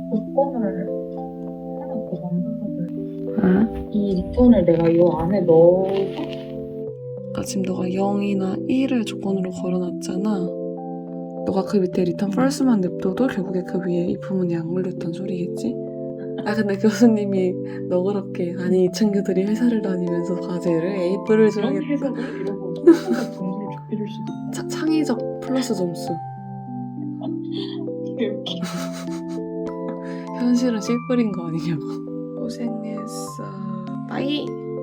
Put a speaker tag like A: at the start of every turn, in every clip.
A: 조건을 하나 더 만들어줄.
B: 응?
A: 이 리턴을 내가 이 안에 넣어서
B: 그러니까 지금 너가 0이나 1을 조건으로 걸어놨잖아. 너가 그 밑에 return false만 냅둬도 결국에 그 위에 이 부분이 안 걸렸단 소리겠지? 아 근데 교수님이 너그럽게 아니 이 친구들이 회사를 다니면서 과제를 A뿔을
A: 그런
B: 줘야겠다.
A: 해석을 이러고 순간 점수를 좁혀줄 수도
B: 창의적 플러스 점수.
A: 되게 웃겨.
B: 현실은 C뿔인 거 아니냐고. 고생했어. 빠이.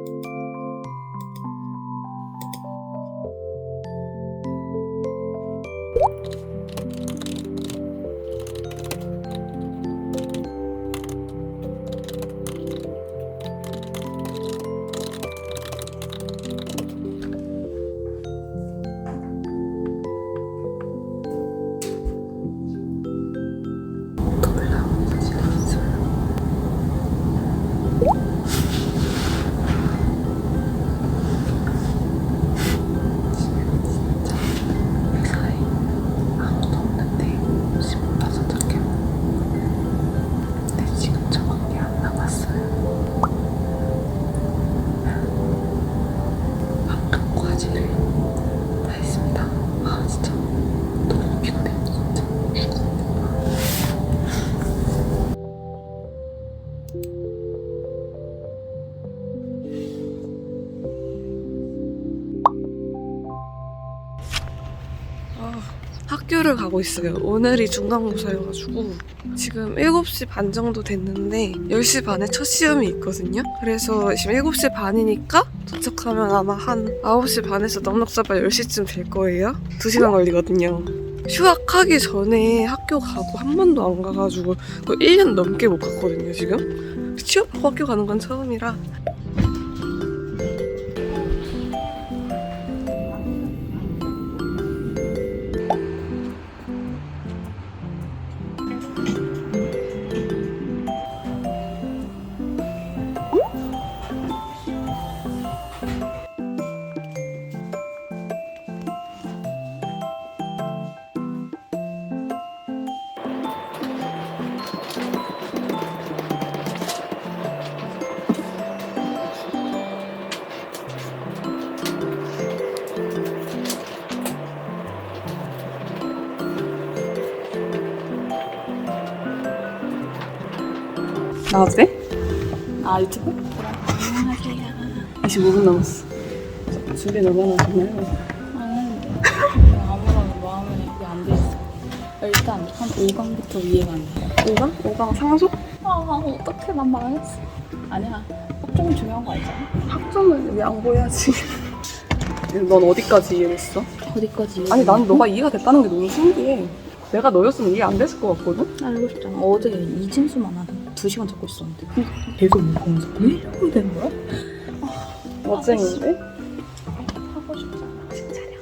B: 학교를 가고 있어요. 오늘이 중간고사여가지고 지금 7시 반 정도 됐는데 10시 반에 첫 시험이 있거든요. 그래서 지금 7시 반이니까 도착하면 아마 한 9시 반에서 넉넉 잡아 10시쯤 될 거예요. 2시간 걸리거든요. 휴학하기 전에 학교 가고 한 번도 안 가가지고 거의 1년 넘게 못 갔거든요, 지금. 취업하고 학교 가는 건 처음이라. 나와도 돼?
C: 아 유튜브? 안녕하세요.
B: 25분 남았어. 준비 얼마나 됐나요?
C: 아무런 마음에 이게 안 돼 있어. 일단 한 5강부터 이해가 안 돼.
B: 5강? 5강 상속?
C: 아 어떡해 난 망했어. 아니야. 학점이 중요한 거 알잖아.
B: 학점을 양보해야지. 넌 어디까지 이해했어?
C: 어디까지?
B: 아니 난 너가 이해가 됐다는 게 너무 신기해. 내가 너였으면 이해 안 됐을 것 같거든?
C: 알고 싶잖아. 어제 이진수만 하던 2시간 잡고 있었는데 계속 읽으면서 왜 이러고 되는 거야?
B: 멋쟁인데?
C: 하고 싶잖아. 진짜냐?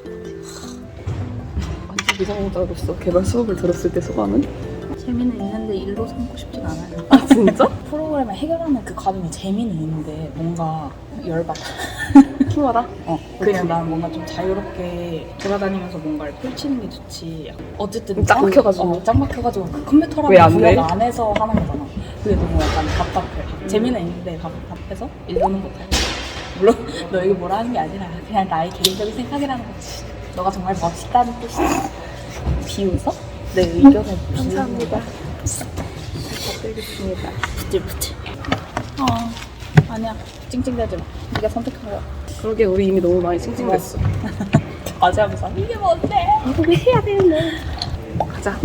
B: 완전 미성년자로서 개발 수업을 들었을 때 소감은?
C: 재미는 있는데 일로 삼고 싶진 않아요.
B: 아 진짜?
C: 프로그램을 해결하는 그 과정에 재미는 있는데 뭔가 열받아.
B: 키워라.
C: 그냥 난 뭔가 좀 자유롭게 돌아다니면서 뭔가를 펼치는 게 좋지. 어쨌든
B: 짱 막혀가지고.
C: 짱 막혀가지고 그 컴퓨터라는
B: 왜안 돼?
C: 구역 안에서 하는 거잖아. 그게 너무 약간 답답해. 재미는 있는데 답답해서 일로는 못하고. 물론 너 여기 뭐라 하는 게 아니라 그냥 나의 개인적인 생각이라는 거지. 너가 정말 멋있다는 뜻이야. 비웃어? 내 의견을
B: 감사합니다.
C: 부탁드리겠습니다. 부틀부틀. 아니야. 찡찡대지 마. 네가 선택한 거야.
B: 그러게 우리 이미 너무 많이 찡찡댔어.
C: 과제하면서 이게 뭔데?
B: 이거 왜 해야 되는데? 가자.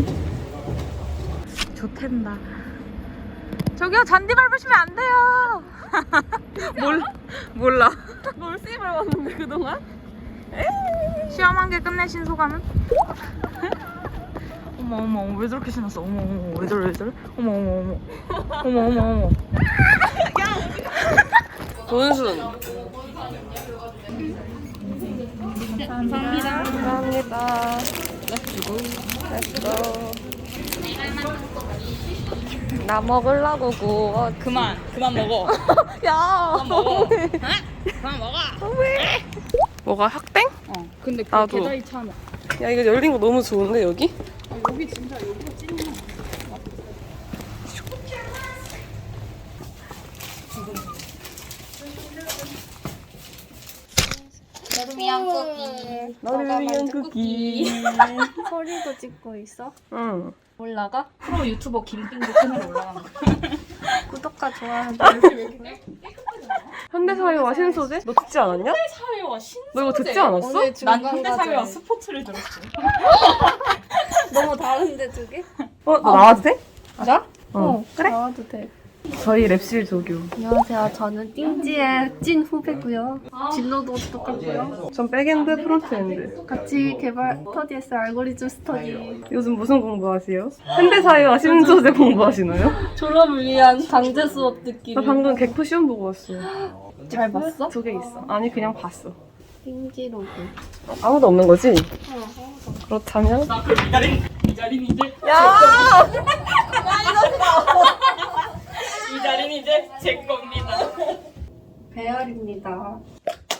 C: 좋댄다. 저기요 잔디 밟으시면 안 돼요. 몰라.
B: 놀씨 밟았는데 그동안?
C: 시험 한 개 끝내신 소감은? 어머 왜 저렇게 신었어? 어머 왜 저래? 어머.
B: 돈순.
C: 감사합니다.
B: 감사합니다. 렛츠고. 나 먹으려고 구워.
C: 그만 먹어.
B: 야.
C: 그만 먹어. 그만 먹어.
B: 뭐가 학땡?
C: 근데 그
B: 나도.
C: 계좌이 참.
B: 야 이거 열린 거 너무 좋은데 여기?
C: 여기 진짜 여기가 찐이야. 위한 쿠키.
B: 너를 위한 쿠키.
D: 소리도 찍고 있어?
B: 응.
D: 올라가?
C: 프로 유튜버 김빙도 채널 올라가는 거.
D: 구독과 좋아요
B: 현대사회와 신소재? 너 듣지 않았냐?
C: 사회와 신.
B: 너 이거 듣지 않았어?
D: 오늘
C: 난
D: 중간
C: 현대사회와
D: 과제
C: 스포츠를 들었어.
D: 너무 다른데 두 개?
B: 너 나와도 돼?
D: 나?
B: 그래?
D: 나와도 돼.
B: 저희 랩실 조교.
D: 안녕하세요. 저는 띵지의 찐 후배고요. 진로도 똑같고요.
B: 전 백엔드, 프론트엔드.
D: 같이 개발 스터디에서 알고리즘 스터디.
B: 요즘 무슨 공부하세요? 현대사회와 신소재 공부하시나요?
D: 졸업을 위한 강제 수업 듣기.
B: 나 방금 개코 시험 보고 왔어요.
D: 잘 봤어?
B: 2개 있어. 아니 그냥 봤어.
D: 띵지 로그.
B: 아무도 없는 거지? 그렇다면?
C: 나그 이 자리는 이제
B: 야!
C: 이 자리는 이제 제 겁니다.
D: 배열입니다.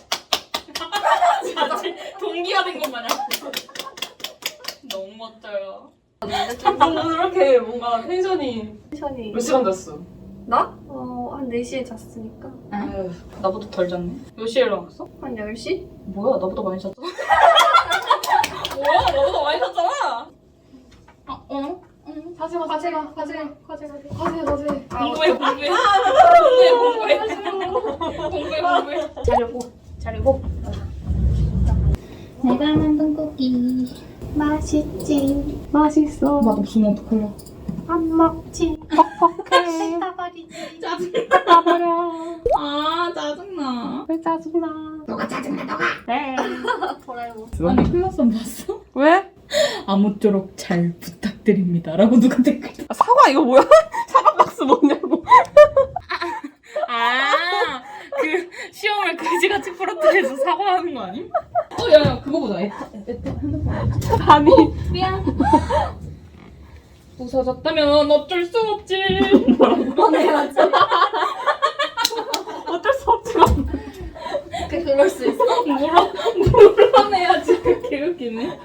C: 사실 동기가 된 것 마냥. 너무 멋져요.
B: 오늘 이렇게 뭔가 텐션이
D: 텐션이.
B: 몇 시간 잤어?
D: 나? 한 4시에 잤으니까.
C: 나보다 덜 잤네. 몇 시에 일어났어?
D: 한 10시?
C: 뭐야, 나보다 많이 잤잖아. 뭐야, 나보다 많이 잤잖아. 공부해. 자려고.
E: 내가 만든 쿠키 맛있지?
D: 맛있어.
C: 없으면 어떡할래?
D: 안 먹지. 퍽퍽해.
E: 따버리지.
D: 따버려.
C: 아, 짜증나.
D: 왜 짜증나?
E: 너가 짜증나 너가.
D: 네. 도라에몽.
C: 아니, 클라스원 봤어?
B: 왜?
C: 아무쪼록 잘 부탁드립니다. 라고 누가 댓글.
B: 아, 사과 이거 뭐야? 사과 박스 뭐냐고.
C: 그 시험을 그지같이 풀어뜨려서 사과하는 거 아님? 야, 그거 보자. 핸드폰.
B: 아니.
C: 미안. 부서졌다면 어쩔 수 없지.
B: 어쩔 수 없지.
D: 그럴 수 있어.
C: 물어내야지. 개웃기네.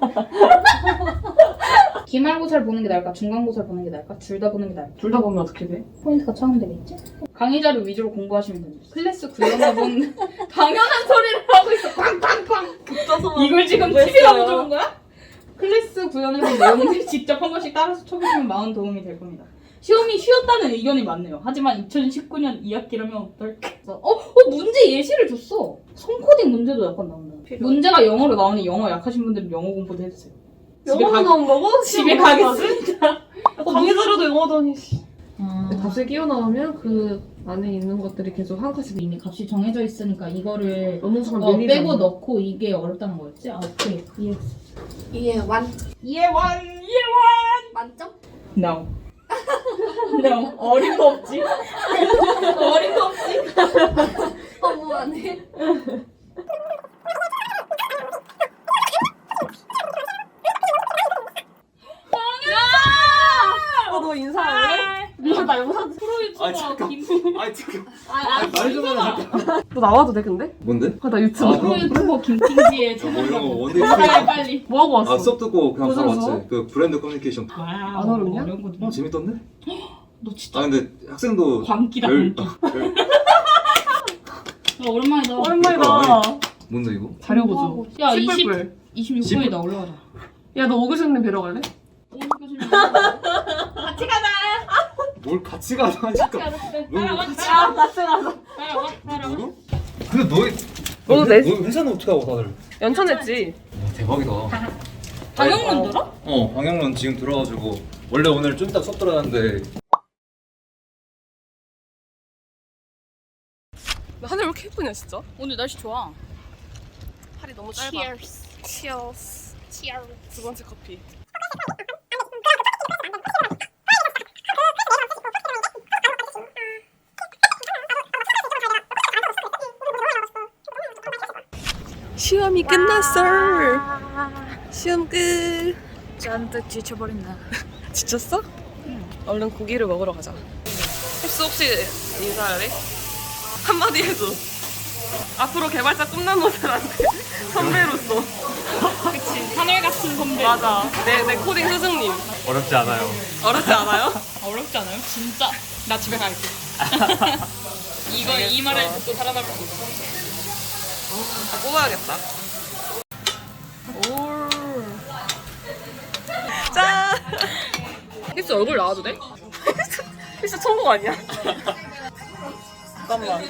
C: 기말고사를 보는 게 나을까? 중간고사를 보는 게 나을까? 둘 다 보는 게 나을까?
B: 둘 다 보면 어떻게 돼?
C: 포인트가 차감되겠지? 강의 자료 위주로 공부하시면 됩니다. 클래스 구현해본 당연한 소리를 하고 있어. 팡팡팡. 이걸 지금 TV라고 적은 거야? 클래스 구현해본 내용들 직접 한 번씩 따라서 쳐보시면 많은 도움이 될 겁니다. 시험이 쉬웠다는 의견이 많네요. 하지만 2019년 2학기라면 어떨까? 문제 예시를 줬어. 손코딩 문제도 약간 나온다. 문제가 영어로 나오니 영어 약하신 분들은 영어 공부도 해주세요.
B: 영어로 나온 거고?
C: 집에 가겠습니다.
B: 강의 자료도 영어더니.
C: 아,
B: 값을 끼워 나오면 그 안에 있는 것들이 계속 한 칸씩
C: 이미 값이 정해져 있으니까 이거를
B: 어느 순간 밀리잖아.
C: 빼고 넣고 이게 어렵다는 거였지? 아, 오케이. 이해했어.
D: 이해 완.
C: 이해원!
D: 만점?
C: No. No. 어림도 없지. 어림도 없지.
D: 허무하네.
B: 너 인사할래?
C: 나 영상 프로유튜버 김.
F: 지금 말좀 하자 잠깐.
B: 너 나와도 돼 근데?
F: 뭔데?
B: 나 유튜브.
F: 아,
C: 프로유튜버 김팅지의
F: 뭐 이런 거
C: 채널.
F: 원데이
C: 빨리.
B: 뭐 하고 왔어?
F: 아 수업 듣고 그냥 바로
B: 무슨
F: 왔지. 그 브랜드 커뮤니케이션.
C: 와우.
B: 안 어렵냐?
C: 어려운 거
F: 재밌던데?
C: 너 진짜
F: 아 근데 학생도
C: 광기다.
F: 별-
C: 오랜만이다.
B: 오랜만이다.
F: 뭔데 이거?
B: 자료 보죠.
C: 야,
B: 뿔뿔.
C: 26분이다. 올라가자.
B: 야, 너 오그신님 뵈러 갈래?
C: 같이 가자.
F: 뭘 같이 가자니까.
C: 따라와.
B: 같이 가자.
C: 따라와.
F: 누구? 근데 너희
B: 너도 내
F: 너희 회사는 어떻게 하고 다들?
B: 연천했지.
F: 와, 대박이다.
C: 방영문 들어?
F: 방영론 지금 들어가지고 원래 오늘 좀 이따 수업 들어가는데
B: 하늘 왜 이렇게 예쁘냐 진짜?
C: 오늘 날씨 좋아.
B: 팔이 너무 짧아. Cheers. 두 번째 커피. 시험이 끝났어. 시험 끝.
C: 잔뜩 지쳐버린다.
B: 지쳤어? 응. 얼른 고기를 먹으러 가자. 힙스 혹시 인사할래? 한마디 해줘. 앞으로 개발자 꿈나무들한테 선배로서.
C: 그치. 하늘 같은 선배.
B: 맞아. 내 코딩 스승님.
F: 어렵지 않아요.
B: 어렵지 않아요?
C: 어렵지 않아요? 진짜. 나 집에 갈게. 이 말을 듣고 살아남을 수 있어.
B: 뽑아야겠다. 오. 짠! 힙스 얼굴 나와도 돼? 힙스 천국 아니야? 잠깐만.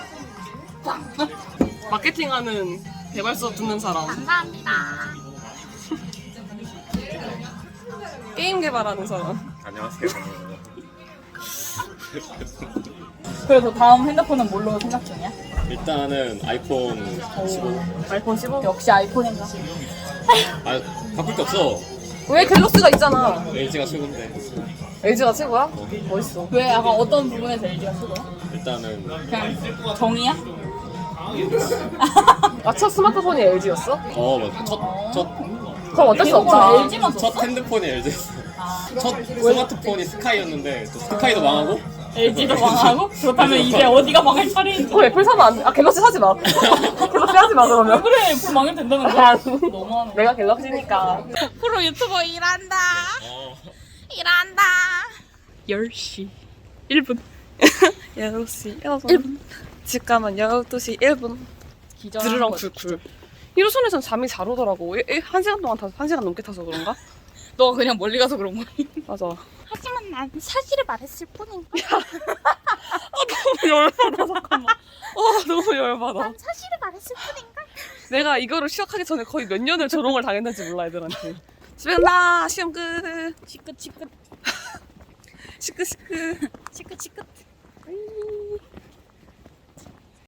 B: 마케팅하는 개발 수업 듣는 사람.
E: 감사합니다.
B: 게임 개발하는 사람.
F: 안녕하세요.
C: 그래서 다음 핸드폰은 뭘로 생각 중이야?
G: 일단은 아이폰 15.
B: 아이폰 15?
C: 역시 아이폰인가?
G: 아 바꿀 게 없어.
B: 왜 갤럭시가 있잖아.
G: LG가 최고인데.
B: LG가 최고야? 멋있어.
C: 왜 약간 어떤 부분에서 LG가 최고야?
G: 일단은
C: 그냥 정이야?
B: 아, 첫 스마트폰이 LG였어?
G: 첫
B: 그럼 어쩔 수
C: 이거가
B: 없지.
C: LG만 줬어?
G: 핸드폰이 LG였어.
C: 아,
G: 첫 스마트폰이 스카이였는데 또 스카이도 망하고.
C: LG도 망하고? 그렇다면 이제 어디가 망할 차례인지.
B: 그럼 애플 사면 안 돼. 아, 갤럭시 사지 마. 갤럭시 하지 마, 그러면.
C: 그래, 애플 망해도 된다는 거야?
B: 아,
C: 너무하는 거야.
B: 내가 갤럭시니까.
C: 프로 유튜버 일한다. 일한다.
B: 10시 1분. 10시 1분. 집 가면 12시 1분. 드르렁 쿨쿨. 일호선에선 잠이 잘 오더라고. 1시간 동안 타서 1시간 넘게 타서 그런가?
C: 너가 그냥 멀리 가서 그런 거야.
B: 맞아.
E: 하지만 난 사실을 말했을 뿐인가.
B: 너무 열받아, 잠깐만. 너무 열받아.
E: 난 사실을 말했을 뿐인가.
B: 내가 이거를 시작하기 전에 거의 몇 년을 조롱을 당했는지 몰라, 애들한테. 집에 간다! 시험 끝!
C: 치끗 치끗
B: 시끄.
C: 치끗 치끗.